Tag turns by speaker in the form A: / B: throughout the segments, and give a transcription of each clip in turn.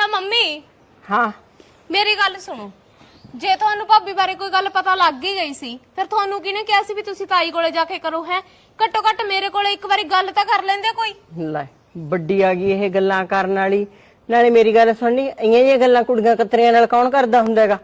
A: ਨਾ ਮੰਮੀ
B: ਹਾਂ
A: ਮੇਰੀ ਗੱਲ ਸੁਣੋ। ਜੇ ਤੁਹਾਨੂੰ ਭਾਬੀ ਬਾਰੇ ਕੋਈ ਗੱਲ ਪਤਾ ਲੱਗ ਹੀ ਗਈ ਸੀ ਫਿਰ ਤੁਹਾਨੂੰ ਕਿਹਨੇ ਕਿਹਾ ਸੀ ਵੀ ਤੁਸੀਂ ਤਾਈ ਕੋਲੇ ਜਾ ਕੇ ਕਰੋ? ਹੈ ਘੱਟੋ ਘੱਟ ਮੇਰੇ ਕੋਲੇ ਇੱਕ ਵਾਰੀ ਗੱਲ ਤਾਂ ਕਰ ਲੈਂਦੇ ਕੋਈ।
B: ਲੈ ਵੱਡੀ ਆ ਗਈ ਇਹ ਗੱਲਾਂ ਕਰਨ ਵਾਲੀ। ਨਾਲੇ ਮੇਰੀ ਗੱਲ ਸੁਣਨੀ, ਇਆਂ ਜਿਹੀਆਂ ਗੱਲਾਂ ਕੁੜੀਆਂ ਕਤਰੀਆਂ ਨਾਲ ਕੌਣ ਕਰਦਾ ਹੁੰਦਾ ਹੈਗਾ?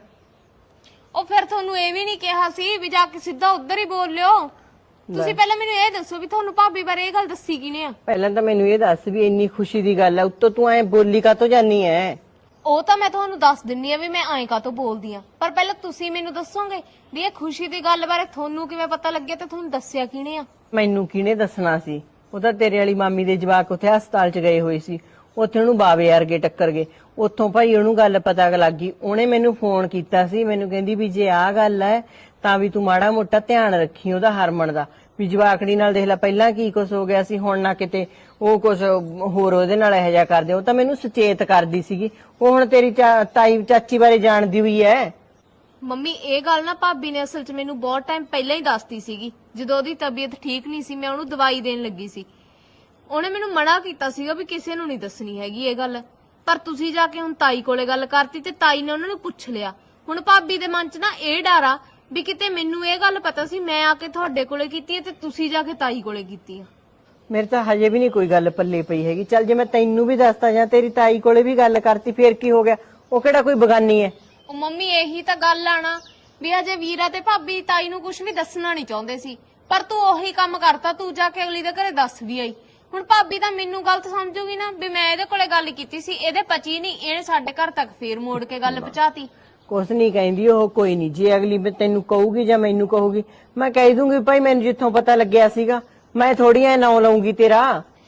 A: ਉਹ ਫਿਰ ਤੁਹਾਨੂੰ ਇਹ ਵੀ ਨਹੀਂ ਕਿਹਾ ਸੀ ਵੀ ਜਾ ਕੇ ਸਿੱਧਾ ਉੱਧਰ ਹੀ ਬੋਲ ਲਿਓ? ਤੁਸੀਂ ਪਹਿਲਾਂ ਮੈਨੂੰ ਇਹ ਦੱਸੋ ਵੀ ਤੁਹਾਨੂੰ ਭਾਬੀ ਬਾਰੇ ਇਹ ਗੱਲ ਦੱਸੀ ਕਿਨੇ ਆ?
B: ਪਹਿਲਾਂ ਤਾਂ ਮੈਨੂੰ ਇਹ ਦੱਸ ਵੀ ਇੰਨੀ ਖੁਸ਼ੀ ਦੀ ਗੱਲ ਹੈ, ਉੱਤੋਂ ਤੂੰ ਐ ਬੋਲੀ ਕਾਤੋਂ ਜਾਨੀ ਐ?
A: ਉਹ ਤਾਂ ਮੈਂ ਤੁਹਾਨੂੰ ਦੱਸ ਦਿੰਨੀ ਆ ਵੀ ਮੈਂ ਐਂ ਕਾਤੋਂ ਬੋਲਦੀ ਆ, ਪਰ ਪਹਿਲਾਂ ਤੁਸੀਂ ਮੈਨੂੰ ਦੱਸੋਗੇ ਵੀ ਇਹ ਖੁਸ਼ੀ ਦੀ ਗੱਲ ਬਾਰੇ ਤੁਹਾਨੂੰ ਕਿਵੇਂ ਪਤਾ ਲੱਗਿਆ ਤੇ ਤੁਹਾਨੂੰ ਦੱਸਿਆ ਕਿਨੇ ਆ?
B: ਮੈਨੂੰ ਕਿਹਨੇ ਦੱਸਣਾ ਸੀ? ਉਹ ਤਾਂ ਤੇਰੇ ਵਾਲੀ ਮਾਮੀ ਦੇ ਜਵਾਕ ਉੱਥੇ ਹਸਪਤਾਲ 'ਚ ਗਏ ਹੋਏ ਸੀ, ਉੱਥੇ ਉਹਨੂੰ ਬਾਵੇ ਵਰਗੇ ਟੱਕਰ ਗਏ। ਉੱਥੋਂ ਭਾਈ ਉਹਨੂੰ ਗੱਲ ਪਤਾ ਲੱਗ ਗਈ, ਉਹਨੇ ਮੈਨੂੰ ਫੋਨ ਕੀਤਾ ਸੀ, ਮੈਨੂੰ ਕਹਿੰਦੀ ਵੀ ਜੇ ਆਹ ਗੱਲ ਹੈ ਤਾਂ ਵੀ ਤੂੰ ਮਾੜਾ ਮੋਟਾ ਧਿਆਨ ਰੱਖੀ ਉਹਦਾ, ਹਰਮਨ ਦਾ। ਵੀ ਜਵਾਕੜੀ ਨਾਲ ਦੇਖ ਲੈ ਪਹਿਲਾਂ ਕੀ ਕੁਛ ਹੋ ਗਿਆ ਸੀ, ਹੁਣ ਨਾ ਕਿਤੇ ਉਹ ਕੁਛ ਹੋਰ ਉਹਦੇ ਨਾਲ ਇਹੋ ਜਿਹਾ ਕਰਦੇ। ਉਹ ਤਾਂ ਮੈਨੂੰ ਸੁਚੇਤ ਕਰਦੀ ਸੀਗੀ। ਉਹ ਹੁਣ ਤੇਰੀ ਤਾਈ ਚਾਚੀ ਬਾਰੇ ਜਾਣਦੀ ਹੋਈ ਐ।
A: ਮੰਮੀ ਇਹ ਗੱਲ ਨਾ ਭਾਬੀ ਨੇ ਅਸਲ 'ਚ ਮੈਨੂੰ ਬਹੁਤ ਟਾਈਮ ਪਹਿਲਾਂ ਹੀ ਦੱਸਤੀ ਸੀਗੀ। ਜਦੋਂ ਉਹਦੀ ਤਬੀਅਤ ਠੀਕ ਨਹੀਂ ਸੀ, ਮੈਂ ਉਹਨੂੰ ਦਵਾਈ ਦੇਣ ਲੱਗੀ ਸੀ, ਉਹਨੇ ਮੈਨੂੰ ਮਨਾ ਕੀਤਾ ਸੀਗਾ ਵੀ ਕਿਸੇ ਨੂੰ ਨਹੀਂ ਦੱਸਣੀ ਹੈਗੀ ਇਹ ਗੱਲ। ਪਰ ਤੁਸੀਂ ਜਾ ਕੇ ਹੁਣ ਤਾਈ ਕੋਲੇ ਗੱਲ ਕਰਤੀ ਤੇ ਤਾਈ ਨੇ ਉਹਨਾਂ ਨੂੰ ਪੁੱਛ ਲਿਆ। ਹੁਣ ਭਾਬੀ ਦੇ ਮਨ 'ਚ ਨਾ ਇਹ ਡਰ ਆ ਵੀ ਕਿਤੇ ਮੈਨੂੰ ਇਹ ਗੱਲ ਪਤਾ ਸੀ ਮੈਂ ਆ ਕੇ ਤੁਹਾਡੇ ਕੋਲੇ ਕੀਤੀ ਹੈ ਤੇ ਤੁਸੀਂ ਜਾ ਕੇ ਤਾਈ ਕੋਲੇ ਕੀਤੀ ਆ।
B: ਮੇਰੇ ਤਾਂ ਹਜੇ ਵੀ ਨਹੀਂ ਕੋਈ ਗੱਲ ਪੱਲੇ ਪਈ ਹੈਗੀ। ਚੱਲ ਜੇ ਮੈਂ ਤੈਨੂੰ ਵੀ ਦੱਸਦਾ ਜਾਂ ਤੇਰੀ ਤਾਈ ਕੋਲੇ ਵੀ ਗੱਲ ਕਰਤੀ ਫੇਰ ਕੀ ਹੋ ਗਿਆ? ਉਹ ਕਿਹੜਾ ਕੋਈ ਬਗਾਨੀ ਐ?
A: ਉਹ ਮੰਮੀ ਇਹੀ ਤਾਂ ਗੱਲ ਆਣਾ ਵੀ ਅਜੇ ਵੀਰਾ ਤੇ ਭਾਬੀ ਤਾਈ ਨੂੰ ਕੁਝ ਵੀ ਦੱਸਣਾ ਨਹੀਂ ਚਾਹੁੰਦੇ ਸੀ, ਪਰ ਤੂੰ ਉਹੀ ਕੰਮ ਕਰਤਾ, ਤੂੰ ਜਾ ਕੇ ਅਗਲੀ ਦੇ ਘਰੇ ਦੱਸ ਵੀ ਆਈ। ਹੁਣ ਭਾਬੀ ਤਾਂ ਮੈਨੂੰ ਗਲਤ ਸਮਝੂਗੀ ਨਾ ਵੀ ਮੈਂ ਇਹਦੇ ਕੋਲੇ ਗੱਲ ਕੀਤੀ ਸੀ, ਇਹਦੇ ਪਚੀ ਨਹੀਂ, ਇਹਨੇ ਸਾਡੇ ਘਰ ਤੱਕ ਫੇਰ ਮੋੜ ਕੇ ਗੱਲ ਪਹੁੰਚਾਤੀ।
B: ਕੁਛ ਨਹੀਂ ਕਹਿੰਦੀ ਉਹ, ਕੋਈ ਨਹੀਂ। ਜੇ ਅਗਲੀ ਤੈਨੂੰ ਕਹੂਗੀ ਜਾਂ ਮੈਨੂੰ ਕਹੂਗੀ, ਮੈਂ ਕਹਿ ਦੂੰਗੀ ਭਾਈ ਮੈਨੂੰ ਜਿੱਥੋਂ ਪਤਾ ਲੱਗਿਆ ਸੀਗਾ। ਮੈਂ ਥੋੜੀ ਐ ਨਾਂ ਲਾਉਂਗੀ ਤੇਰਾ।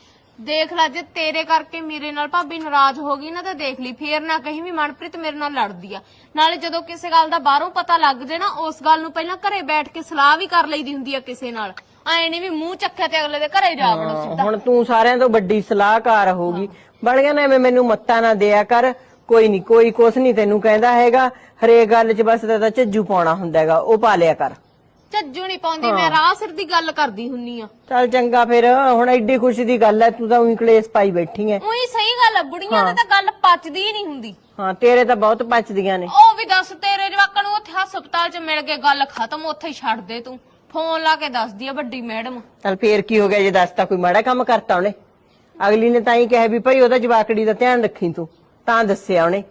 A: ਦੇਖ ਲੈ ਜੇ ਤੇਰੇ ਕਰਕੇ ਮੇਰੇ ਨਾਲ ਭਾਬੀ ਨਾਰਾਜ਼ ਹੋ ਗਈ ਨਾ ਤਾਂ ਦੇਖ ਲਈ, ਫੇਰ ਨਾ ਕਹੀਂ ਵੀ ਮਨਪ੍ਰੀਤ ਮੇਰੇ ਨਾਲ ਲੜਦੀ ਆ। ਨਾਲੇ ਜਦੋਂ ਕਿਸੇ ਗੱਲ ਦਾ ਬਾਹਰੋਂ ਪਤਾ ਲੱਗ ਜੇ ਨਾ, ਉਸ ਗੱਲ ਨੂੰ ਪਹਿਲਾਂ ਘਰੇ ਬੈਠ ਕੇ ਸਲਾਹ ਵੀ ਕਰ ਲਈਦੀ ਹੁੰਦੀ ਆ ਕਿਸੇ ਨਾਲ। ਐ ਨਹੀਂ ਵੀ ਮੂੰਹ ਚੱਕਿਆ ਤੇ ਅਗਲੇ ਦੇ ਘਰੇ ਜਾ ਵੜੋ ਸਿੱਧਾ।
B: ਹੁਣ ਤੂੰ ਸਾਰਿਆਂ ਤੋਂ ਵੱਡੀ ਸਲਾਹਕਾਰ ਹੋਗੀ, ਬਣ ਗਿਆ ਨਾ। ਐਵੇਂ ਮੈਨੂੰ ਮੱਤਾਂ ਨਾ ਦਿਆ ਕਰ। ਕੋਈ ਨਹੀਂ, ਕੋਈ ਕੁਛ ਨਹੀਂ ਤੈਨੂੰ ਕਹਿੰਦਾ ਹੈਗਾ। ਹਰੇਕ ਗੱਲ 'ਚ ਬਸ ਤਾਂ ਝੱਜੂ ਪਾਉਣਾ ਹੁੰਦਾ ਹੈਗਾ, ਉਹ ਪਾ ਲਿਆ ਕਰ।
A: ਝੱਜੂ ਨਹੀਂ ਪਾਉਂਦੀ, ਮੈਂ ਰਾਹ ਸਿਰ ਦੀ ਗੱਲ ਕਰਦੀ ਹੁੰਨੀ ਆ।
B: ਚੱਲ ਚੰਗਾ ਫਿਰ, ਹੁਣ ਐਡੀ ਖੁਸ਼ੀ ਦੀ ਗੱਲ ਐ, ਤੂੰ ਤਾਂ ਉਹੀ ਕਲੇਸ਼ ਪਾਈ ਬੈਠੀ ਐ।
A: ਉਹੀ ਸਹੀ ਗੱਲ ਆ, ਬੁੜੀਆਂ ਦੀ ਤਾਂ ਗੱਲ ਪਚਦੀ ਹੀ ਨਹੀਂ ਹੁੰਦੀ।
B: ਹਾਂ ਤੇਰੇ ਤਾਂ ਬਹੁਤ ਪਚਦੀਆਂ ਨੇ।
A: ਉਹ ਵੀ ਦੱਸ, ਤੇਰੇ ਜਵਾਕਾਂ ਨੂੰ ਉੱਥੇ ਹਸਪਤਾਲ 'ਚ ਮਿਲ ਕੇ ਗੱਲ ਖਤਮ, ਉੱਥੇ ਹੀ ਛੱਡ ਦੇ ਤੂੰ। ਫੋਨ ਲਾ ਕੇ ਦੱਸਦੀ ਆ ਵੱਡੀ ਮੈਡਮ।
B: ਚੱਲ ਫੇਰ ਕੀ ਹੋ ਗਿਆ ਜੇ ਦੱਸਤਾ? ਕੋਈ ਮਾੜਾ ਕੰਮ ਕਰਤਾ ਉਹਨੇ? ਅਗਲੀ ਨੇ ਤਾਂ ਹੀ ਕਿਹਾ ਵੀ ਭਾਈ ਉਹਦਾ ਜਵਾਕੜੀ ਦਾ ਧਿਆਨ ਰੱਖੀ ਤੂੰ, ਤਾਂ ਦੱਸਿਆ ਉਹਨੇ।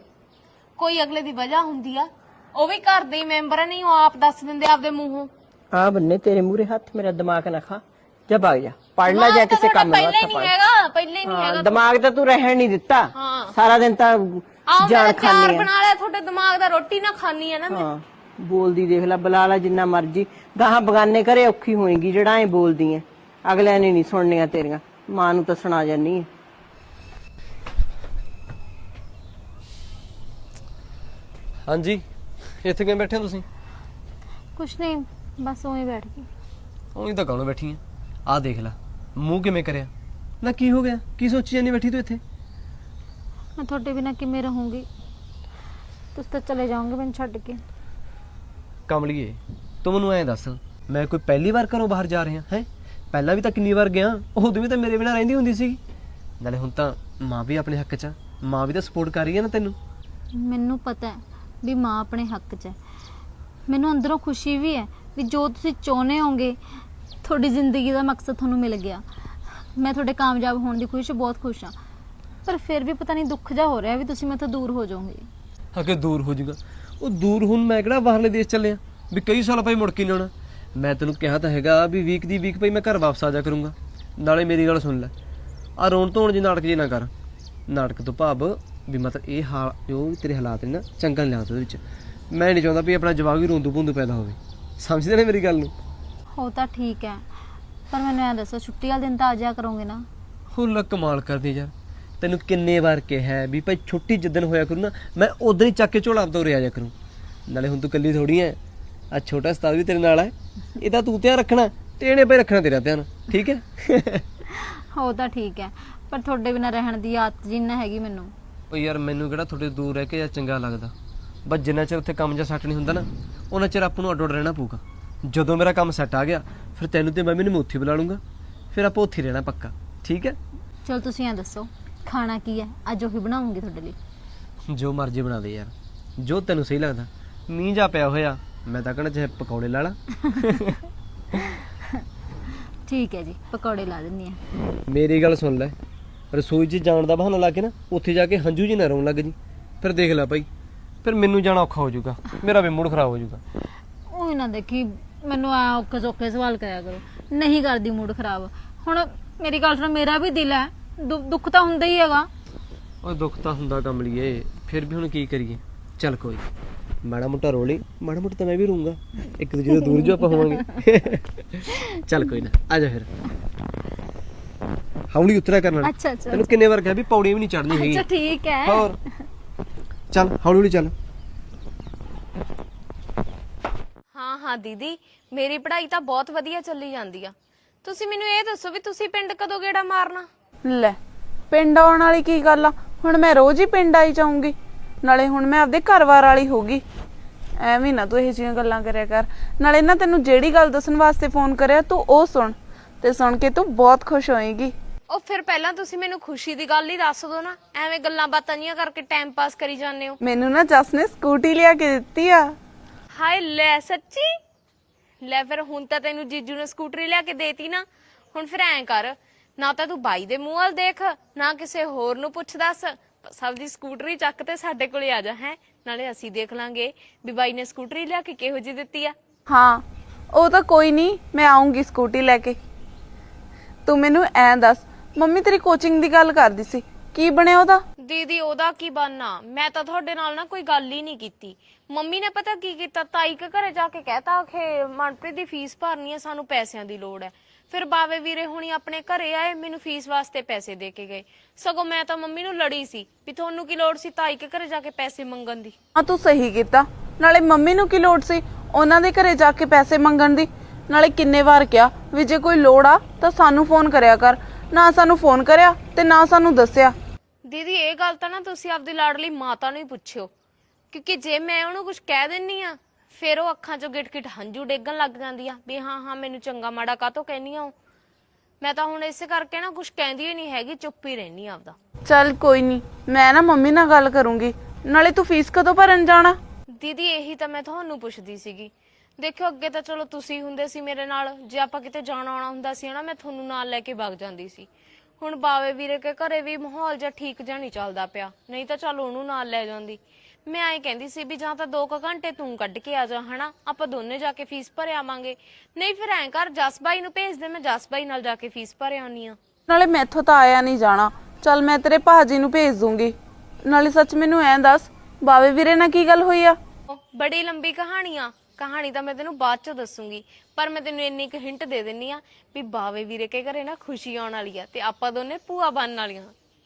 A: ਕੋਈ ਅਗਲੇ ਦੀ ਵਜ੍ਹਾ ਹੁੰਦੀ ਆ, ਉਹ ਵੀ ਘਰ ਦੇ ਮੈਂਬਰ ਨਹੀਂ, ਉਹ ਆਪ ਦੱਸ ਦਿੰਦੇ ਆਪਦੇ ਮੂੰਹੋਂ।
B: ਆ ਬੰਨੇ ਤੇਰੇ ਮੂਹਰੇ ਹੱਥ, ਮੇਰਾ ਦਿਮਾਗ ਨਾ ਖਾ। ਜਾ ਭਾਗ ਜਾ, ਪੜ ਲੈ ਜਾ ਕਿਸੇ ਕੰਮ ਨਾਲ।
A: ਪਹਿਲੇ ਨਹੀਂ ਹੈਗਾ, ਪਹਿਲੇ ਨਹੀਂ ਹੈਗਾ।
B: ਦਿਮਾਗ ਤਾਂ ਤੂੰ ਰਹਿਣ ਨਹੀਂ ਦਿੱਤਾ। ਸਾਰਾ ਦਿਨ ਤਾਂ ਜਾਨ ਖਾਨੀ ਆ।
A: ਬਣਾ ਲਿਆ ਤੁਹਾਡੇ ਦਿਮਾਗ ਦਾ, ਰੋਟੀ ਨਾ ਖਾਨੀ ਆ ਨਾ ਮੈਂ।
B: ਹਾਂ ਬੋਲਦੀ ਦੇਖ ਲੈ, ਬੁਲਾ ਲੈ ਜਿੰਨਾ ਮਰਜੀ। ਗਾਹਾਂ ਬਗਾਨੇ ਘਰੇ ਔਖੀ ਹੋਏਗੀ ਜਿਹੜਾ ਐ ਬੋਲਦੀ ਐ। ਅਗਲਿਆਂ ਨੇ ਨਹੀਂ ਸੁਣਨੀਆਂ ਤੇਰੀਆਂ, ਮਾਂ ਨੂੰ ਤਾਂ ਸੁਣਾ ਜਾਨੀ ਐ।
C: ਹਾਂਜੀ, ਇੱਥੇ ਕਿਵੇਂ ਬੈਠੇ ਹੋ ਤੁਸੀਂ?
A: ਕੁਛ ਨਹੀਂ, ਬਸ ਉਵੇਂ ਬੈਠ ਗਈ।
C: ਉਹੀ ਤਾਂ ਕਾਹਨੂੰ ਬੈਠੀ ਆ? ਆਹ ਦੇਖ ਲੈ ਮੂੰਹ ਕਿਵੇਂ ਕਰਿਆ। ਨਾ ਕੀ ਹੋ ਗਿਆ? ਕੀ ਸੋਚੀ ਜਾਂਦੀ ਬੈਠੀ ਤੂੰ ਇੱਥੇ?
D: ਮੈਂ ਤੁਹਾਡੇ ਬਿਨਾਂ ਕਿਵੇਂ ਰਹੂੰਗੀ? ਤੁਸੀਂ ਤਾਂ ਚਲੇ ਜਾਓਗੇ ਮੈਨੂੰ ਛੱਡ ਕੇ।
C: ਕਮਲੀਏ ਤੂੰ ਮੈਨੂੰ ਐਂ ਦੱਸ, ਮੈਂ ਕੋਈ ਪਹਿਲੀ ਵਾਰ ਘਰੋਂ ਬਾਹਰ ਜਾ ਰਿਹਾ ਹੈ? ਪਹਿਲਾਂ ਵੀ ਤਾਂ ਕਿੰਨੀ ਵਾਰ ਗਿਆ, ਉਦੋਂ ਵੀ ਤਾਂ ਮੇਰੇ ਬਿਨਾਂ ਰਹਿੰਦੀ ਹੁੰਦੀ ਸੀ। ਨਾਲੇ ਹੁਣ ਤਾਂ ਮਾਂ ਵੀ ਆਪਣੇ ਹੱਕ 'ਚ ਆ, ਮਾਂ ਵੀ ਤਾਂ ਸਪੋਰਟ ਕਰ ਰਹੀ ਹੈ ਨਾ ਤੈਨੂੰ।
D: ਮੈਨੂੰ ਪਤਾ ਹੈ ਵੀ ਮਾਂ ਆਪਣੇ ਹੱਕ 'ਚ ਹੈ। ਮੈਨੂੰ ਅੰਦਰੋਂ ਖੁਸ਼ੀ ਵੀ ਹੈ ਵੀ ਜੋ ਤੁਸੀਂ ਚਾਹੁੰਦੇ ਹੋਗੇ ਤੁਹਾਡੀ ਜ਼ਿੰਦਗੀ ਦਾ ਮਕਸਦ ਤੁਹਾਨੂੰ ਮਿਲ ਗਿਆ। ਮੈਂ ਤੁਹਾਡੇ ਕਾਮਯਾਬ ਹੋਣ ਦੀ ਬਹੁਤ ਖੁਸ਼ ਹਾਂ, ਪਰ ਫਿਰ ਵੀ ਪਤਾ ਨਹੀਂ ਦੁੱਖ ਜਾ ਹੋ ਰਿਹਾ ਵੀ ਤੁਸੀਂ ਮੈਥੋਂ ਦੂਰ ਹੋ ਜਾਓਗੇ।
C: ਅੱਗੇ ਦੂਰ ਹੋ ਜਾਊਗਾ? ਉਹ ਦੂਰ ਹੁਣ ਮੈਂ ਕਿਹੜਾ ਬਾਹਰਲੇ ਦੇਸ਼ ਚੱਲਿਆ ਵੀ ਕਈ ਸਾਲ ਭਾਈ ਮੁੜ ਕੇ ਨਹੀਂ ਆਉਣਾ। ਮੈਂ ਤੈਨੂੰ ਕਿਹਾ ਤਾਂ ਹੈਗਾ ਵੀ ਵੀਕ ਦੀ ਵੀਕ ਭਾਈ ਮੈਂ ਘਰ ਵਾਪਸ ਆ ਜਾ ਕਰੂੰਗਾ। ਨਾਲੇ ਮੇਰੀ ਗੱਲ ਸੁਣ ਲੈ, ਆ ਰੋਣ ਧੋਣ ਜੀ ਨਾਟਕ ਜੇ ਨਾ ਕਰ। ਨਾਟਕ ਤੋਂ ਭਾਵ ਵੀ ਮਤਲਬ ਇਹ ਹਾਲ ਜੋ ਤੇਰੇ ਹਾਲਾਤ ਨੇ ਨਾ, ਚੰਗਾ ਨਹੀਂ ਲੱਗਦਾ ਉਹਦੇ ਵਿੱਚ। ਮੈਂ ਨਹੀਂ ਚਾਹੁੰਦਾ ਵੀ ਆਪਣਾ ਜਵਾਕ ਵੀ ਰੋਂਦੂ ਭੁੰਦੂ ਪੈਦਾ ਹੋਵੇ। ਸਮਝਦੇ ਨੇ ਮੇਰੀ ਗੱਲ ਨੂੰ?
D: ਹੋ ਤਾਂ ਠੀਕ ਹੈ, ਪਰ ਮੈਨੂੰ ਐਂ ਦੱਸੋ ਛੁੱਟੀ ਵਾਲੇ ਦਿਨ ਤਾਂ ਆ ਜਾਇਆ ਕਰੋਗੇ ਨਾ?
C: ਹੁੱਲ ਕਮਾਲ ਕਰਦੀ ਯਾਰ, ਤੈਨੂੰ ਕਿੰਨੇ ਵਾਰ ਕਿਹਾ ਵੀ ਭਾਈ ਛੁੱਟੀ ਜਿੱਦਣ ਹੋਇਆ ਕਰੂ ਨਾ, ਮੈਂ ਉਦੋਂ ਹੀ ਚੱਕ ਕੇ ਝੋਲਾ ਆਪਦਾ ਉਰੇ ਆ ਜਾ ਕਰੂੰ। ਨਾਲੇ ਹੁਣ ਤੂੰ ਇਕੱਲੀ ਥੋੜੀ ਐ, ਆ ਛੋਟਾ ਉਸਤਾਦ ਵੀ ਤੇਰੇ ਨਾਲ ਹੈ। ਇਹਦਾ ਤੂੰ ਧਿਆਨ ਰੱਖਣਾ ਤੇ ਇਹਨੇ ਭਾਈ ਰੱਖਣਾ ਤੇਰਾ ਧਿਆਨ, ਠੀਕ ਹੈ?
D: ਹੋ ਤਾਂ ਠੀਕ ਹੈ, ਪਰ ਤੁਹਾਡੇ ਬਿਨਾਂ ਰਹਿਣ ਦੀ ਆਦਤ ਜਿੰਨਾ ਹੈਗੀ ਮੈਨੂੰ।
C: ਉਹ ਯਾਰ ਮੈਨੂੰ ਕਿਹੜਾ ਤੁਹਾਡੇ ਦੂਰ ਰਹਿ ਕੇ ਜਾਂ ਚੰਗਾ ਲੱਗਦਾ, ਬਸ ਜਿੰਨਾ ਚਿਰ ਉੱਥੇ ਕੰਮ ਜਾਂ ਸੈੱਟ ਨਹੀਂ ਹੁੰਦਾ ਨਾ, ਉਹਨਾਂ ਚਿਰ ਆਪਾਂ ਨੂੰ ਅੱਡ ਅੱਡ ਰਹਿਣਾ ਪਊਗਾ। ਜਦੋਂ ਮੇਰਾ ਕੰਮ ਸੈੱਟ ਆ ਗਿਆ ਫਿਰ ਤੈਨੂੰ ਤੇ ਮੰਮੀ ਨੂੰ ਮੈਂ ਉੱਥੇ ਬੁਲਾ ਲੂੰਗਾ, ਫਿਰ ਆਪਾਂ ਉੱਥੇ ਰਹਿਣਾ ਪੱਕਾ, ਠੀਕ ਹੈ?
D: ਚਲ ਤੁਸੀਂ ਐਂ ਦੱਸੋ ਖਾਣਾ ਕੀ ਹੈ? ਅੱਜ ਉਹੀ ਬਣਾਉਂਗੀ ਤੁਹਾਡੇ ਲਈ।
C: ਜੋ ਮਰਜ਼ੀ ਬਣਾ ਦੇ ਯਾਰ, ਜੋ ਤੈਨੂੰ ਸਹੀ ਲੱਗਦਾ। ਮੀਂਹ ਜਾ ਪਿਆ ਹੋਇਆ, ਮੈਂ ਤਾਂ ਕਹਿਣਾ ਚਾਹੇ ਪਕੌੜੇ ਲਾ ਲਾ।
D: ਠੀਕ ਹੈ ਜੀ, ਪਕੌੜੇ ਲਾ ਦਿੰਦੀ ਆ।
C: ਮੇਰੀ ਗੱਲ ਸੁਣ ਲੈ, ਰਸੋਈ 'ਚ ਜਾਣ ਦਾ ਬਹਾਨਾ ਲਾ ਕੇ ਨਾ ਉੱਥੇ ਜਾ ਕੇ ਹੰਝੂ ਜੀ ਨਾ ਰੋਣ ਲੱਗ ਜੀ। ਫਿਰ ਦੇਖ ਲੈ ਭਾਈ, ਫਿਰ ਮੈਨੂੰ ਜਾਣਾ ਔਖਾ ਹੋ ਜਾਊਗਾ, ਮੇਰਾ ਵੀ ਮੂਡ ਖਰਾਬ ਹੋ ਜਾਊਗਾ।
D: ਉਹ ਨਾ ਦੇਖੀ ਮੈਨੂੰ ਆ ਔਖੇ ਸੌਖੇ ਸਵਾਲ ਕਰਿਆ ਕਰੋ, ਨਹੀਂ ਕਰਦੀ ਮੂਡ ਖਰਾਬ। ਹੁਣ ਮੇਰੀ ਗੱਲ ਸੁਣ, ਮੇਰਾ ਵੀ ਦਿਲ ਹੈ, ਦੁੱਖ ਤਾਂ ਹੁੰਦਾ ਹੀ ਹੈਗਾ।
C: ਉਹ ਦੁੱਖ ਤਾਂ ਹੁੰਦਾ ਕਮਲੀਏ, ਫਿਰ ਵੀ ਹੁਣ ਕੀ ਕਰੀਏ। ਚੱਲ ਕੋਈ ਮਾੜਾ ਮੋਟਾ ਰੋਲੀ, ਮਾੜਾ ਮੋਟਾ ਤਾਂ ਮੈਂ ਵੀ ਰੂੰਗਾ, ਇੱਕ ਦੂਜੇ ਤੋਂ ਦੂਰ ਜੋ ਆਪਾਂ ਹੋਵਾਂਗੇ। ਚੱਲ ਕੋਈ ਨਾ, ਆ ਜਾ ਫਿਰ। ਹੌਲੀ ਉਤਰਿਆ ਕਰਨਾ।
D: ਅੱਛਾ ਅੱਛਾ
C: ਤੈਨੂੰ ਕਿੰਨੇ ਵਾਰ ਕਿਹਾ ਵੀ ਪੌੜੀ ਵੀ ਨਹੀਂ ਚੜਨੀ ਹੈਗੀ।
D: ਅੱਛਾ ਠੀਕ ਹੈ।
C: ਹੋਰ ਚੱਲ ਹੌਲੀ ਹੌਲੀ ਚੱਲ।
A: ਹਾਂ ਹਾਂ ਦੀਦੀ, ਮੇਰੀ ਪੜ੍ਹਾਈ ਤਾਂ ਬਹੁਤ ਵਧੀਆ ਚੱਲੀ ਜਾਂਦੀ ਆ। ਤੁਸੀਂ ਮੈਨੂੰ ਇਹ ਦੱਸੋ ਵੀ ਤੁਸੀਂ ਪਿੰਡ ਕਦੋਂ ਗੇੜਾ ਮਾਰਨਾ?
E: ਲੈ, ਪਿੰਡ ਆਉਣ ਵਾਲੀ ਕੀ ਗੱਲ ਆ? ਹੁਣ ਮੈਂ ਰੋਜ਼ ਹੀ ਪਿੰਡ ਆਈ ਜਾਊਂਗੀ, ਨਾਲੇ ਹੁਣ ਮੈਂ ਆਪਦੇ ਘਰ-ਬਾਰ ਵਾਲੀ ਹੋਗੀ। ਐਵੇਂ ਨਾ ਤੂੰ ਇਹੋ ਜਿਹੀਆਂ ਗੱਲਾਂ ਕਰਿਆ ਕਰ। ਨਾਲੇ ਨਾ ਤੈਨੂੰ ਜਿਹੜੀ ਗੱਲ ਦੱਸਣ ਵਾਸਤੇ ਫੋਨ ਕਰਿਆ ਤੂੰ ਉਹ ਸੁਣ, ਤੇ ਸੁਣ ਕੇ ਤੂੰ ਬਹੁਤ ਖੁਸ਼ ਹੋਏਗੀ।
A: ਉਹ ਫਿਰ ਪਹਿਲਾਂ ਤੁਸੀਂ ਮੈਨੂੰ ਖੁਸ਼ੀ ਦੀ ਗੱਲ ਹੀ ਦੱਸ ਦਿਓ ਨਾ, ਐਵੇਂ ਗੱਲਾਂ ਬਾਤਾਂ ਜੀਆਂ ਕਰਕੇ ਟਾਈਮ ਪਾਸ ਕਰੀ ਜਾਂਦੇ ਹੋ।
E: ਮੈਨੂੰ ਨਾ ਜਸ ਨੇ ਸਕੂਟੀ ਲਿਆ ਕੇ ਦਿੱਤੀ ਆ।
A: ਹਾਏ ਲੈ, ਸੱਚੀ? ਲੈ ਫਿਰ ਹੁਣ ਤਾਂ ਤੈਨੂੰ ਜੀਜੂ ਨੇ ਸਕੂਟਰੀ ਲਿਆ ਕੇ ਦੇਤੀ ਨਾ। ਹੁਣ ਫਿਰ ਐਂ ਕਰ, ਨਾ ਤਾਂ ਤੂੰ ਬਾਈ ਦੇ ਮੂੰਹ ਵੱਲ ਦੇਖ, ਨਾ ਕਿਸੇ ਹੋਰ ਨੂੰ ਪੁੱਛ ਦੱਸ, ਸਭ ਦੀ ਸਕੂਟਰੀ ਚੱਕ ਤੇ ਸਾਡੇ ਕੋਲੇ ਆ ਜਾ। ਹੈ ਨਾਲੇ ਅਸੀਂ ਦੇਖ ਲਾਂਗੇ ਵੀ ਬਾਈ ਨੇ ਸਕੂਟਰੀ ਲਿਆ ਕੇ ਕਿਹੋ ਜਿਹੀ ਦਿੱਤੀ ਆ।
E: ਹਾਂ, ਉਹ ਤਾਂ ਕੋਈ ਨਹੀਂ, ਮੈਂ ਆਉਂਗੀ ਸਕੂਟੀ ਲੈ ਕੇ। ਤੂੰ ਮੈਨੂੰ ਐਂ ਦੱਸ, ਮੰਮੀ ਤੇਰੀ ਕੋਚਿੰਗ ਦੀ ਗੱਲ ਕਰਦੀ ਸੀ, ਕੀ ਬਣਿਆ ਉਹਦਾ?
A: ਦੀਦੀ ਉਹਦਾ ਕੀ ਬਣਨਾ, ਮੈਂ ਤਾਂ ਤੁਹਾਡੇ ਨਾਲ ਨਾ ਕੋਈ ਗੱਲ ਹੀ ਨਹੀਂ ਕੀਤੀ। ਮੰਮੀ ਨੇ ਪਤਾ ਕੀ ਕੀਤਾ, ਤਾਈ ਕੇ ਘਰੇ ਜਾ ਕੇ ਕਹਿਤਾ ਕਿ ਮਨਪ੍ਰੀਤ ਦੀ ਫੀਸ ਭਰਨੀ ਹੈ, ਸਾਨੂੰ ਪੈਸਿਆਂ ਦੀ ਲੋੜ ਹੈ। ਫਿਰ ਬਾਵੇ ਵੀਰੇ ਹੁਣੀ ਆਪਣੇ ਘਰੇ ਆਏ, ਮੈਨੂੰ ਫੀਸ ਵਾਸਤੇ ਪੈਸੇ ਦੇ ਕੇ ਗਏ। ਸਗੋਂ ਮੈਂ ਤਾਂ ਮੰਮੀ ਨੂੰ ਲੜੀ ਸੀ ਵੀ ਤੁਹਾਨੂੰ ਕੀ ਲੋੜ ਸੀ ਤਾਈ ਕੇ ਘਰੇ ਜਾ ਕੇ ਪੈਸੇ ਮੰਗਣ ਦੀ।
E: ਹਾਂ ਤੂੰ ਸਹੀ ਕੀਤਾ, ਨਾਲੇ ਮੰਮੀ ਨੂੰ ਕੀ ਲੋੜ ਸੀ ਉਹਨਾਂ ਦੇ ਘਰੇ ਜਾ ਕੇ ਪੈਸੇ ਮੰਗਣ ਦੀ? ਨਾਲੇ ਕਿੰਨੇ ਵਾਰ ਕਿਹਾ ਵੀ ਜੇ ਕੋਈ ਲੋੜ ਆ ਤਾਂ ਸਾਨੂੰ ਫੋਨ ਕਰਿਆ ਕਰ, ਨਾ ਸਾਨੂੰ ਫੋਨ ਕਰਿਆ ਤੇ ਨਾ ਸਾਨੂੰ ਦੱਸਿਆ।
A: ਦੀਦੀ ਇਹ ਗੱਲ ਤਾਂ ਨਾ ਤੁਸੀਂ ਆਪਦੀ ਲਾਡਲੀ ਮਾਤਾ ਨੂੰ ਹੀ ਪੁੱਛਿਓ, ਕਿਉਂਕਿ ਜੇ ਮੈਂ ਉਹਨੂੰ ਕੁਝ ਕਹਿ ਦਿੰਨੀ ਆ ਫਿਰ ਉਹ ਅੱਖਾਂ 'ਚੋਂ ਗਿਟ-ਗਿਟ ਹੰਝੂ ਡੇਗਣ ਲੱਗ ਜਾਂਦੀ ਆ ਵੀ ਹਾਂ ਹਾਂ ਮੈਨੂੰ ਚੰਗਾ ਮਾੜਾ ਕਾਹਤੋਂ ਕਹਿਨੀ ਆ। ਮੈਂ ਤਾਂ ਹੁਣ ਇਸੇ ਕਰਕੇ ਨਾ ਕੁਝ ਕਹਿੰਦੀ ਹੀ ਨਹੀਂ ਹੈਗੀ, ਚੁੱਪ ਹੀ ਰਹਿਨੀ ਆ ਆਪਦਾ।
E: ਚੱਲ ਕੋਈ ਨਹੀਂ, ਮੈਂ ਨਾ ਮੰਮੀ ਨਾਲ ਗੱਲ ਕਰੂੰਗੀ। ਨਾਲੇ ਤੂੰ ਫੀਸ ਕਦੋਂ ਭਰਨ ਜਾਣਾ?
A: ਦੀਦੀ ਇਹੀ ਤਾਂ ਮੈਂ ਤੁਹਾਨੂੰ ਪੁੱਛਦੀ ਸੀਗੀ। ਦੇਖਿਓ ਅੱਗੇ ਤਾਂ ਚਲੋ ਤੁਸੀਂ ਹੁੰਦੇ ਸੀ ਮੇਰੇ ਨਾਲ, ਜੇ ਆਪਾਂ ਕਿਤੇ ਜਾਣਾ ਆਉਣਾ ਹੁੰਦਾ ਸੀ ਨਾ ਮੈਂ ਤੁਹਾਨੂੰ ਨਾਲ ਲੈ ਕੇ ਵਗ ਜਾਂਦੀ ਸੀ। ਹੁਣ ਬਾਵੇ ਵੀਰੇ ਕੇ ਘਰੇ ਵੀ ਮਾਹੌਲ ਜਿਹਾ ਠੀਕ ਜਿਹਾ ਨਹੀਂ ਚੱਲਦਾ ਪਿਆ, ਨਹੀਂ ਤਾਂ ਚਲ ਉਹਨੂੰ ਨਾਲ ਲੈ ਜਾਂਦੀ। ਮੈਂ ਐਂ ਕਹਿੰਦੀ ਸੀ ਵੀ ਜਾਂ ਤਾਂ 2 ਘੰਟੇ ਤੂੰ ਕੱਢ ਕੇ ਆ ਜਾ, ਹਨਾ ਆਪਾਂ ਦੋਨੇ ਜਾ ਕੇ ਫੀਸ ਭਰ ਆਵਾਂਗੇ। ਨਹੀਂ ਫਿਰ ਐਂ ਕਰ ਜਸ ਬਾਈ ਨੂੰ ਭੇਜ ਦੇ, ਮੈਂ ਜਸ ਬਾਈ ਨਾਲ ਜਾ ਕੇ ਫੀਸ ਭਰ ਆਉਣੀ ਆ।
E: ਨਾਲੇ ਮੈਥੋਂ ਤਾਂ ਆਇਆ ਨਹੀਂ ਜਾਣਾ, ਚੱਲ ਮੈਂ ਤੇਰੇ ਭਾਜੀ ਨੂੰ ਭੇਜ ਦੂੰਗੀ। ਨਾਲੇ ਸੱਚ ਮੈਨੂੰ ਐਂ ਦੱਸ, ਬਾਵੇ ਵੀਰੇ ਨਾਲ ਕੀ ਗੱਲ ਹੋਈ ਆ?
A: ਬੜੀ ਲੰਬੀ ਕਹਾਣੀ ਤਾਂ ਮੈਂ ਤੈਨੂੰ ਬਾਅਦ ਚ ਦੱਸੂਗੀ, ਪਰ ਮੈਂ ਤੈਨੂੰ ਇੰਨੀ ਕੁ ਹਿੰਟ ਦੇ ਦਿੰਨੀ ਆ ਵੀ ਬਾਵੇ ਵੀਰੇ ਕੇ ਘਰੇ ਨਾ ਖੁਸ਼ੀ ਆਉਣ ਵਾਲੀ ਆ ਤੇ ਆਪਾਂ ਦੋਨੇ ਭੂਆ ਬਣਨ ਵਾਲੀਆਂ।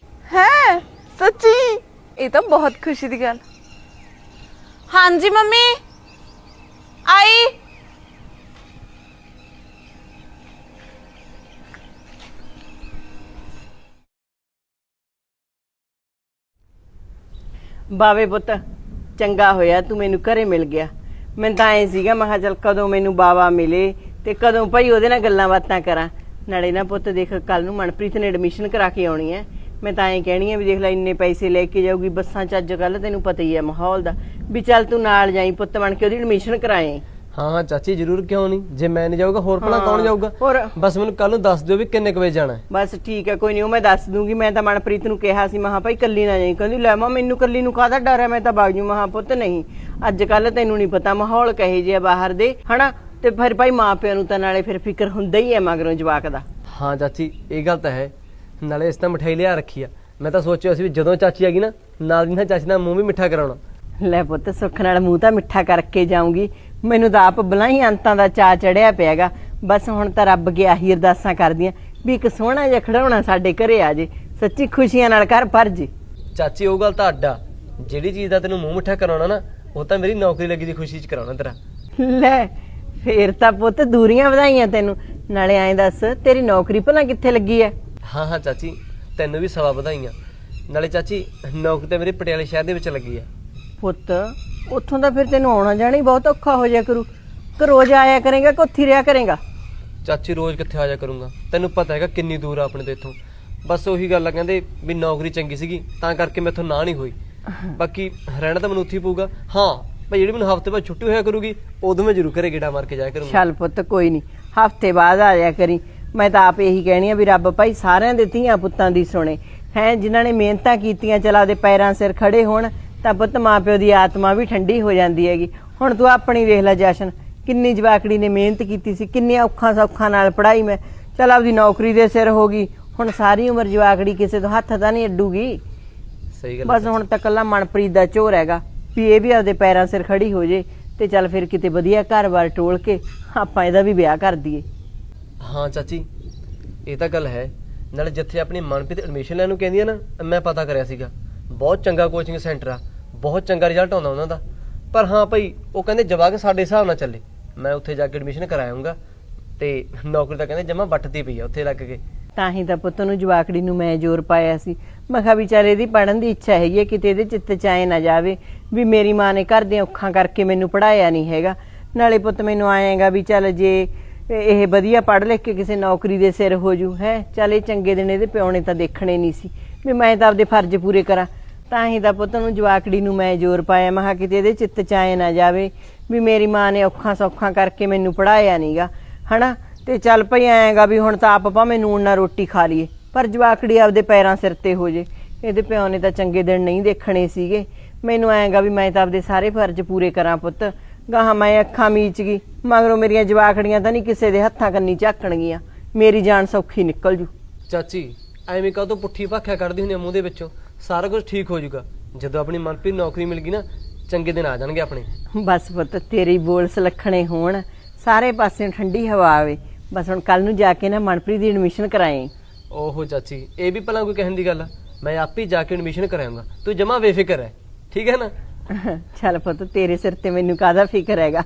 E: ਹੈ ਸੱਚੀ? ਇਹ ਤਾਂ ਬਹੁਤ ਖੁਸ਼ੀ ਦੀ ਗੱਲ। ਹਾਂਜੀ ਮੰਮੀ ਆਈ।
B: ਬਾਵੇ ਪੁੱਤ, ਚੰਗਾ ਹੋਇਆ ਤੂੰ ਮੈਨੂੰ ਘਰੇ ਮਿਲ ਗਿਆ। ਮੈਨੂੰ ਤਾਂ ਐ ਸੀਗਾ, ਮੈਂ ਕਿਹਾ ਚੱਲ ਕਦੋਂ ਮੈਨੂੰ ਬਾਵਾ ਮਿਲੇ ਤੇ ਕਦੋਂ ਭਾਈ ਉਹਦੇ ਨਾਲ ਗੱਲਾਂ ਬਾਤਾਂ ਕਰਾਂ। ਨਾਲੇ ਨਾ ਪੁੱਤ ਦੇਖ, ਕੱਲ ਨੂੰ ਮਨਪ੍ਰੀਤ ਨੇ ਐਡਮਿਸ਼ਨ ਕਰਾ ਕੇ ਆਉਣੀ ਹੈ। ਮੈਂ ਤਾਂ ਐਂ ਕਹਿਣੀ ਆ ਵੀ ਦੇਖ ਲੈ ਇੰਨੇ ਪੈਸੇ ਲੈ ਕੇ ਜਾਊਗੀ ਬੱਸਾਂ 'ਚ, ਅੱਜ ਕੱਲ ਤੈਨੂੰ ਪਤਾ ਹੀ ਹੈ ਮਾਹੌਲ ਦਾ, ਵੀ ਚੱਲ ਤੂੰ ਨਾਲ ਜਾਈ ਪੁੱਤ ਬਣ ਕੇ ਉਹਦੀ ਐਡਮਿਸ਼ਨ ਕਰਾਏ।
C: ਹਾਂ ਹਾਂ ਚਾਚੀ ਜ਼ਰੂਰ, ਕਿਉਂ ਨਹੀਂ। ਜੇ ਮੈਂ ਨਹੀਂ ਜਾਊਗਾ ਹੋਰ ਭਲਾ ਕੌਣ ਜਾਊਗਾ?
B: ਹੋਰ
C: ਬਸ ਮੈਨੂੰ ਕੱਲ ਨੂੰ ਦੱਸ ਦਿਓ ਵੀ ਕਿੰਨੇ ਕੁ ਵਜੇ ਜਾਣਾ।
B: ਬਸ ਠੀਕ ਹੈ, ਕੋਈ ਨਹੀਂ, ਉਹ ਮੈਂ ਦੱਸ ਦੂੰਗੀ। ਮੈਂ ਤਾਂ ਮਨਪ੍ਰੀਤ ਨੂੰ ਕਿਹਾ ਸੀ, ਮਹਾ ਭਾਈ ਕੱਲੀ ਨਾ ਜਾਈ। ਕਹਿੰਦੀ ਲੈ ਮਾਂ ਮੈਨੂੰ ਕੱਲੀ ਨੂੰ ਕਾਹਦਾ ਡਰ ਹੈ, ਮੈਂ ਤਾਂ ਵਗ ਜੂ। ਮਹਾ ਪੁੱਤ ਨਹੀਂ, ਅੱਜ ਕੱਲ ਤੈਨੂੰ ਨਹੀਂ ਪਤਾ ਮਾਹੌਲ ਕਹੇ ਜਿਹਾ ਬਾਹਰ ਦੇ, ਹਨਾ, ਤੇ ਫਿਰ ਭਾਈ ਮਾਂ ਪਿਓ ਨੂੰ ਤਾਂ ਨਾਲੇ ਫਿਰ ਫਿਕਰ ਹੁੰਦਾ ਹੀ ਹੈ ਮਗਰੋਂ ਜਵਾਕ ਦਾ।
C: ਹਾਂ ਚਾਚੀ ਇਹ ਗੱਲ ਤਾਂ ਹੈ। ਨਾਲੇ ਇਸ ਤਾਂ ਮਠਾਈ ਲਿਆ ਰੱਖੀ ਆ, ਮੈਂ ਤਾਂ ਸੋਚਿਆ ਸੀ ਵੀ ਜਦੋਂ ਚਾਚੀ ਆ ਗਈ ਨਾ ਨਾਲ ਦੀ ਨਾਲ ਚਾਚੀ ਦਾ ਮੂੰਹ ਵੀ ਮਿੱਠਾ ਕਰਾਉਣਾ।
B: ਲੈ ਪੁੱਤ, ਸੁੱਖ ਨਾਲ ਮੂੰਹ ਤਾਂ ਮਿੱਠਾ ਕਰਕੇ ਜਾਊਂਗੀ। ਮੈਨੂੰ ਤਾਂ ਆਪ ਬਲਾਈ ਅੰਤਾਂ ਦਾ ਚਾਅ ਚੜਿਆ ਪਿਆਗਾ। ਬਸ ਹੁਣ ਤਾਂ ਰੱਬ ਅੱਗੇ ਆਹੀ ਅਰਦਾਸਾਂ ਕਰਦੀਆਂ ਵੀ ਇੱਕ ਸੋਹਣਾ ਜਿਹਾ ਖਿਡੌਣਾ ਸਾਡੇ ਘਰੇ ਆ ਜੇ, ਸੱਚੀ ਖੁਸ਼ੀਆਂ ਨਾਲ ਘਰ ਭਰ ਜੇ।
C: ਚਾਚੀ ਉਹ ਗੱਲ ਤਾਂ ਅੱਡਾ, ਜਿਹੜੀ ਚੀਜ਼ ਦਾ ਤੈਨੂੰ ਮੂੰਹ ਮਿੱਠਾ ਕਰਾਉਣਾ ਨਾ ਉਹ ਤਾਂ ਮੇਰੀ ਨੌਕਰੀ ਲੱਗੀ ਦੀ ਖੁਸ਼ੀ 'ਚ ਕਰਾਉਣਾ ਤੇਰਾ।
B: ਲੈ ਫੇਰ ਤਾਂ ਪੁੱਤ ਦੂਰੀਆਂ ਵਧਾਈਆਂ ਤੈਨੂੰ। ਨਾਲੇ ਐਂ ਦੱਸ, ਤੇਰੀ ਨੌਕਰੀ ਭਲਾ ਕਿੱਥੇ ਲੱਗੀ ਐ?
C: ਹਾਂ ਹਾਂ ਚਾਚੀ, ਤੈਨੂੰ ਵੀ ਸਵਾ ਵਧਾਈਆਂ। ਨਾਲੇ ਚਾਚੀ ਨੌਕਰੀ ਤਾਂ ਮੇਰੇ ਪਟਿਆਲੇ ਸ਼ਹਿਰ ਦੇ ਵਿੱਚ ਲੱਗੀ ਆ।
B: ਪੁੱਤ ਉੱਥੋਂ ਦਾ ਫਿਰ ਤੈਨੂੰ ਆਉਣਾ ਜਾਣਾ ਹੀ ਬਹੁਤ ਔਖਾ ਹੋ ਜਾਇਆ ਕਰੂ। ਕਿ ਰੋਜ਼ ਆਇਆ ਕਰੇਗਾ ਕਿ ਉੱਥੇ ਰਿਹਾ ਕਰੇਗਾ?
C: ਚਾਚੀ ਰੋਜ਼ ਕਿੱਥੇ ਆ ਜਾ ਕਰੂੰਗਾ, ਤੈਨੂੰ ਪਤਾ ਹੈਗਾ ਕਿੰਨੀ ਦੂਰ ਆ ਆਪਣੇ ਤੋਂ ਇੱਥੋਂ। ਬਸ ਉਹੀ ਗੱਲ ਆ, ਕਹਿੰਦੇ ਵੀ ਨੌਕਰੀ ਚੰਗੀ ਸੀਗੀ ਤਾਂ ਕਰਕੇ ਮੈਥੋਂ ਨਾ ਨਹੀਂ ਹੋਈ, ਬਾਕੀ ਰਹਿਣਾ ਤਾਂ ਮੈਨੂੰ ਉੱਥੇ ਹੀ ਪਊਗਾ। ਹਾਂ ਭਾਈ ਜਿਹੜੀ ਮੈਨੂੰ ਹਫ਼ਤੇ ਬਾਅਦ ਛੁੱਟੀ ਹੋਇਆ ਕਰੂਗੀ ਉਦੋਂ ਮੈਂ ਜ਼ਰੂਰ ਘਰੇ ਗੇੜਾ ਮਾਰ ਕੇ ਜਾਇਆ ਕਰੂੰਗਾ।
B: ਚੱਲ ਪੁੱਤ ਕੋਈ ਨਹੀਂ, ਹਫਤੇ ਬਾਅਦ ਆ ਜਾਇਆ ਕਰੀ। ਮੈਂ ਤਾਂ ਆਪ ਇਹੀ ਕਹਿਣੀ ਆ ਵੀ ਰੱਬ ਭਾਈ ਸਾਰਿਆਂ ਦੇ ਧੀਆਂ ਪੁੱਤਾਂ ਦੀ ਸੁਣੇ ਹੈ। ਜਿਨ੍ਹਾਂ ਨੇ ਮਿਹਨਤਾਂ ਕੀਤੀਆਂ ਚਲ ਆਪਦੇ ਪੈਰਾਂ ਸਿਰ ਖੜੇ ਹੋਣ ਤਾਂ ਪੁੱਤ ਮਾਂ ਪਿਓ ਦੀ ਆਤਮਾ ਵੀ ਠੰਡੀ ਹੋ ਜਾਂਦੀ ਹੈਗੀ। ਹੁਣ ਤੂੰ ਆਪਣੀ ਵੇਖ ਲੈ ਜਸ਼ਨ, ਕਿੰਨੀ ਜਵਾਕੜੀ ਨੇ ਮਿਹਨਤ ਕੀਤੀ ਸੀ, ਕਿੰਨੀਆਂ ਔਖਾਂ ਸੌਖਾਂ ਨਾਲ ਪੜ੍ਹਾਈ ਮੈਂ ਚਲ ਆਪਦੀ ਨੌਕਰੀ ਦੇ ਸਿਰ ਹੋ ਗਈ। ਹੁਣ ਸਾਰੀ ਉਮਰ ਜਵਾਕੜੀ ਕਿਸੇ ਤੋਂ ਹੱਥ ਤਾਂ ਨਹੀਂ ਅੱਡੂਗੀ।
C: ਸਹੀ ਗੱਲ
B: ਬਸ ਹੁਣ ਤਾਂ ਕੱਲਾ ਮਨਪ੍ਰੀਤ ਦਾ ਝੋਰ ਹੈਗਾ ਵੀ ਇਹ ਵੀ ਆਪਦੇ ਪੈਰਾਂ ਸਿਰ ਖੜੀ ਹੋ ਜੇ ਤੇ ਚੱਲ ਫਿਰ ਕਿਤੇ ਵਧੀਆ ਘਰ-ਬਾਰ ਟੋਲ ਕੇ ਆਪਾਂ ਇਹਦਾ ਵੀ ਵਿਆਹ ਕਰ ਦਈਏ।
C: ਹਾਂ ਚਾਚੀ ਇਹ ਤਾਂ ਗੱਲ ਹੈ। ਨਾਲੇ ਜਿੱਥੇ ਆਪਣੀ ਮਨਪ੍ਰੀਤ ਐਡਮਿਸ਼ਨ ਲੈਣ ਨੂੰ ਕਹਿੰਦੀ ਆ ਨਾ, ਮੈਂ ਪਤਾ ਕਰਿਆ ਸੀਗਾ, ਬਹੁਤ ਚੰਗਾ ਕੋਚਿੰਗ ਸੈਂਟਰ ਆ, ਬਹੁਤ ਚੰਗਾ ਰਿਜ਼ਲਟ ਆਉਂਦਾ ਉਹਨਾਂ ਦਾ। ਪਰ ਹਾਂ ਭਾਈ ਉਹ ਕਹਿੰਦੇ ਜਵਾਕ ਸਾਡੇ ਹਿਸਾਬ ਨਾਲ ਚੱਲੇ। ਮੈਂ ਉੱਥੇ ਜਾ ਕੇ ਐਡਮਿਸ਼ਨ ਕਰਾਇਆਉਂਗਾ ਤੇ ਨੌਕਰੀ ਤਾਂ ਕਹਿੰਦੇ ਜਮਾ ਵੱਟਦੀ ਪਈ ਆ ਉੱਥੇ ਲੱਗ ਕੇ।
B: ਤਾਂ ਹੀ ਤਾਂ ਪੁੱਤ ਨੂੰ ਜਵਾਕੜੀ ਨੂੰ ਮੈਂ ਜ਼ੋਰ ਪਾਇਆ ਸੀ। ਮੈਂ ਕਿਹਾ ਵੀ ਚੱਲ ਇਹਦੀ ਪੜ੍ਹਨ ਦੀ ਇੱਛਾ ਹੈਗੀ ਹੈ, ਕਿਤੇ ਇਹਦੇ ਚਿੱਤ ਚ ਆਏ ਨਾ ਜਾਵੇ ਵੀ ਮੇਰੀ ਮਾਂ ਨੇ ਘਰ ਦੀਆਂ ਔਖਾਂ ਕਰਕੇ ਮੈਨੂੰ ਪੜ੍ਹਾਇਆ ਨਹੀਂ ਹੈਗਾ। ਨਾਲੇ ਪੁੱਤ ਮੈਨੂੰ ਆਏਗਾ ਵੀ ਚੱਲ ਜੇ ਇਹ ਵਧੀਆ ਪੜ੍ਹ ਲਿਖ ਕੇ ਕਿਸੇ ਨੌਕਰੀ ਦੇ ਸਿਰ ਹੋ ਜੂ ਹੈ। ਚੱਲ ਇਹ ਚੰਗੇ ਦਿਨ ਇਹਦੇ ਪਿਓ ਨੇ ਤਾਂ ਦੇਖਣੇ ਨਹੀਂ ਸੀ ਵੀ ਮੈਂ ਤਾਂ ਆਪਦੇ ਫਰਜ਼ ਪੂਰੇ ਕਰਾਂ। ਤਾਂ ਹੀ ਤਾਂ ਪੁੱਤ ਨੂੰ ਜਵਾਕੜੀ ਨੂੰ ਮੈਂ ਜ਼ੋਰ ਪਾਇਆ। ਮੈਂ ਕਿਹਾ ਕਿਤੇ ਇਹਦੇ ਚਿੱਤ ਚ ਆਏ ਨਾ ਜਾਵੇ ਵੀ ਮੇਰੀ ਮਾਂ ਨੇ ਔਖਾਂ ਸੌਖਾਂ ਕਰਕੇ ਮੈਨੂੰ ਪੜ੍ਹਾਇਆ ਨਹੀਂਗਾ ਹਨਾ। ਤੇ ਚੱਲ ਭਈ ਆਏਗਾ ਵੀ ਹੁਣ ਤਾਂ ਆਪ ਭਾਵੇਂ ਨੂਣ ਨਾਲ ਰੋਟੀ ਖਾ ਲਈਏ ਪਰ ਜਵਾਕੜੀ ਆਪਦੇ ਪੈਰਾਂ ਸਿਰ ਤੇ ਹੋ ਜੇ। ਇਹਦੇ ਪਿਓ ਨੇ ਤਾਂ ਚੰਗੇ ਦਿਨ ਨਹੀਂ ਦੇਖਣੇ ਸੀਗੇ। ਮੈਨੂੰ ਆਏਗਾ ਵੀ ਮੈਂ ਤਾਂ ਆਪਦੇ ਸਾਰੇ ਫਰਜ਼ ਪੂਰੇ ਕਰਾਂ ਪੁੱਤ। ਗਾਹਾਂ ਮੈਂ ਅੱਖਾਂ ਮੀਚ ਗਈ ਮਗਰੋਂ ਮੇਰੀਆਂ ਜਵਾਕੜੀਆਂ ਤਾਂ ਨਹੀਂ ਕਿਸੇ ਦੇ ਹੱਥਾਂ ਕੰਨੀ ਝਾਕਣਗੀਆਂ, ਮੇਰੀ ਜਾਨ ਸੌਖੀ ਨਿਕਲ ਜੂ।
C: ਚਾਚੀ ਐਵੇਂ ਕਾਹਤੋਂ ਪੁੱਠੀ ਭਾਖਿਆ ਕੱਢਦੀ ਹੁੰਦੀ ਆ ਮੂੰਹ ਦੇ ਵਿੱਚੋਂ। ਸਾਰਾ ਕੁਝ ਠੀਕ ਹੋ ਜਾਊਗਾ ਜਦੋਂ ਆਪਣੀ ਮਨਪ੍ਰੀਤ ਨੌਕਰੀ ਮਿਲ ਗਈ ਨਾ, ਚੰਗੇ ਦਿਨ ਆ ਜਾਣਗੇ ਆਪਣੇ।
B: ਬਸ ਪੁੱਤ ਤੇਰੀ ਬੋਲ ਸੁਲੱਖਣੇ ਹੋਣ, ਸਾਰੇ ਪਾਸੇ ਠੰਡੀ ਹਵਾ ਆਵੇ। ਬਸ ਹੁਣ ਕੱਲ ਨੂੰ ਜਾ ਕੇ ਨਾ ਮਨਪ੍ਰੀਤ ਦੀ ਐਡਮਿਸ਼ਨ ਕਰਾਏ।
C: ਓਹੋ ਚਾਚੀ ਇਹ ਵੀ ਭਲਾ ਕੋਈ ਕਹਿਣ ਦੀ ਗੱਲ ਆ? ਮੈਂ ਆਪੇ ਹੀ ਜਾ ਕੇ ਐਡਮਿਸ਼ਨ ਕਰਾਉਂਗਾ, ਤੂੰ ਜਮਾ ਬੇਫਿਕਰ ਹੈ, ਠੀਕ ਹੈ ਨਾ?
B: ਚੱਲ ਪੁੱਤ ਤੇਰੇ ਸਿਰ ਤੇ ਮੈਨੂੰ ਕਾਹਦਾ ਫਿਕਰ ਹੈਗਾ।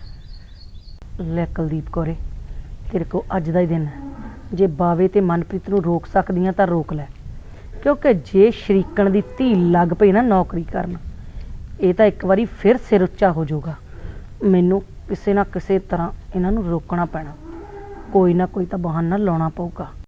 F: ਲੈ ਕੁਲਦੀਪ ਕੌਰੇ, ਤੇਰੇ ਕੋ ਅੱਜ ਦਾ ਹੀ ਦਿਨ ਹੈ। ਜੇ ਬਾਵੇ ਤੇ ਮਨਪ੍ਰੀਤ ਨੂੰ ਰੋਕ ਸਕਦੀਆਂ ਤਾਂ ਰੋਕ ਲੈ, ਕਿਉਂਕਿ ਜੇ ਸ਼ਰੀਕਣ ਦੀ ਧੀ ਲੱਗ ਪਈ ਨਾ ਨੌਕਰੀ ਕਰਨ, ਇਹ ਤਾਂ ਇੱਕ ਵਾਰੀ ਫਿਰ ਸਿਰ ਉੱਚਾ ਹੋ ਜਾਊਗਾ। ਮੈਨੂੰ ਕਿਸੇ ਨਾ ਕਿਸੇ ਤਰ੍ਹਾਂ ਇਹਨਾਂ ਨੂੰ ਰੋਕਣਾ ਪੈਣਾ, ਕੋਈ ਨਾ ਕੋਈ ਤਾਂ ਬਹਾਨਾ ਲਾਉਣਾ ਪਊਗਾ।